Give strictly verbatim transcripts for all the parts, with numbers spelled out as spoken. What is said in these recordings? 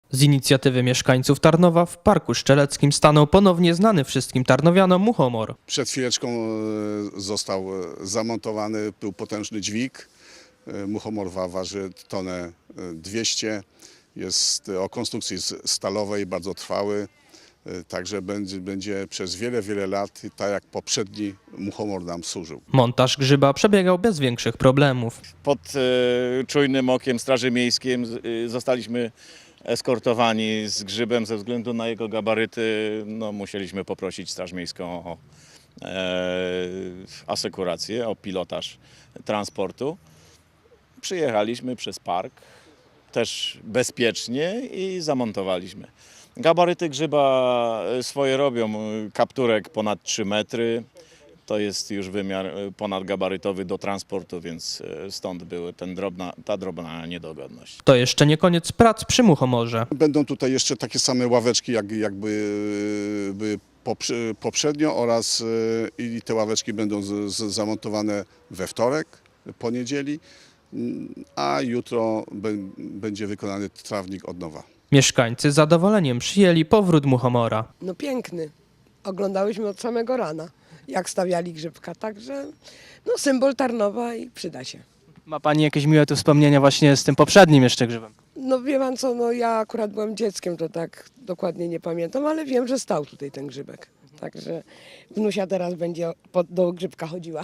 Z inicjatywy mieszkańców Tarnowa w Parku Szczeleckim stanął ponownie znany wszystkim tarnowianom muchomor. Przed chwileczką e, został zamontowany, był potężny dźwig. E, Muchomor wa- waży tonę dwieście. Jest o konstrukcji z- stalowej, bardzo trwały. E, Także będzie, będzie przez wiele, wiele lat, tak jak poprzedni muchomor nam służył. Montaż grzyba przebiegał bez większych problemów. Pod e, czujnym okiem Straży Miejskiej z- e, zostaliśmy eskortowani z grzybem ze względu na jego gabaryty. No, musieliśmy poprosić Straż Miejską o e, asekurację, o pilotaż transportu. Przyjechaliśmy przez park, też bezpiecznie i zamontowaliśmy. Gabaryty grzyba swoje robią, kapturek ponad trzy metry. To jest już wymiar ponadgabarytowy do transportu, więc stąd była ten drobna, ta drobna niedogodność. To jeszcze nie koniec prac przy muchomorze. Będą tutaj jeszcze takie same ławeczki, jak, jakby były poprze- poprzednio oraz e, i te ławeczki będą z, z, zamontowane we wtorek, po niedzieli, mm, a jutro bę- będzie wykonany trawnik od nowa. Mieszkańcy z zadowoleniem przyjęli powrót muchomora. No piękny. Oglądałyśmy od samego rana, jak stawiali grzybka, także no symbol Tarnowa i przyda się. Ma Pani jakieś miłe tu wspomnienia właśnie z tym poprzednim jeszcze grzybem? No wie pan co, no ja akurat byłem dzieckiem, to tak dokładnie nie pamiętam, ale wiem, że stał tutaj ten grzybek. Także wnusia teraz będzie po- do grzybka chodziła.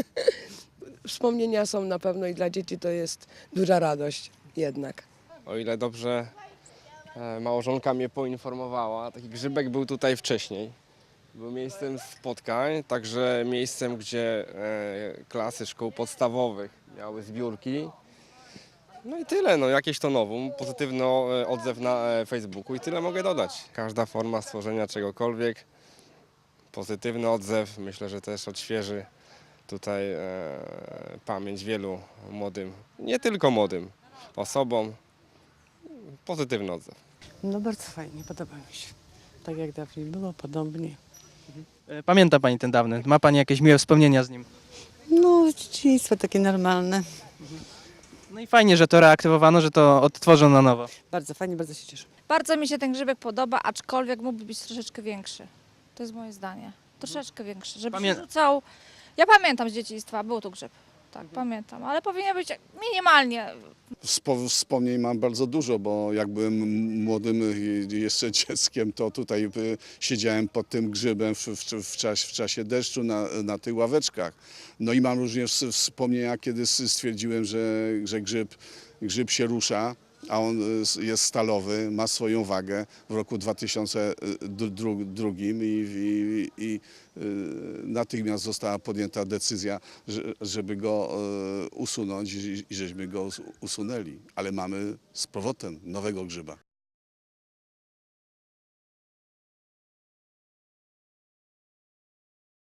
Wspomnienia są na pewno i dla dzieci to jest duża radość jednak. O ile dobrze e, małżonka mnie poinformowała, taki grzybek był tutaj wcześniej. Był miejscem spotkań, także miejscem, gdzie e, klasy szkół podstawowych miały zbiórki. No i tyle, no jakieś to nowum, pozytywny e, odzew na e, Facebooku i tyle mogę dodać. Każda forma stworzenia czegokolwiek, pozytywny odzew, myślę, że też odświeży tutaj e, pamięć wielu młodym, nie tylko młodym osobom. Pozytywny odzew. No bardzo fajnie, podoba mi się. Tak jak dawniej było, podobnie. E, Pamięta Pani ten dawny? Ma Pani jakieś miłe wspomnienia z nim? No, dzieciństwo takie normalne. No i fajnie, że to reaktywowano, że to odtworzą na nowo. Bardzo fajnie, bardzo się cieszę. Bardzo mi się ten grzybek podoba, aczkolwiek mógłby być troszeczkę większy. To jest moje zdanie. Troszeczkę większy, żeby Pamię- się rzucał. Ja pamiętam z dzieciństwa, był tu grzyb. Tak, pamiętam, ale powinien być minimalnie. Wspo- Wspomnień mam bardzo dużo, bo jak byłem młodym i jeszcze dzieckiem, to tutaj y, siedziałem pod tym grzybem w, w, w, czasie, w czasie deszczu na, na tych ławeczkach. No i mam również s- wspomnienia, kiedy s- stwierdziłem, że, że grzyb, grzyb się rusza, a on y, s- jest stalowy, ma swoją wagę w roku dwa tysiące drugim i, i, i y, natychmiast została podjęta decyzja, że, żeby go y, usunąć i, i żeśmy go us- usunęli. Ale mamy z powrotem nowego grzyba.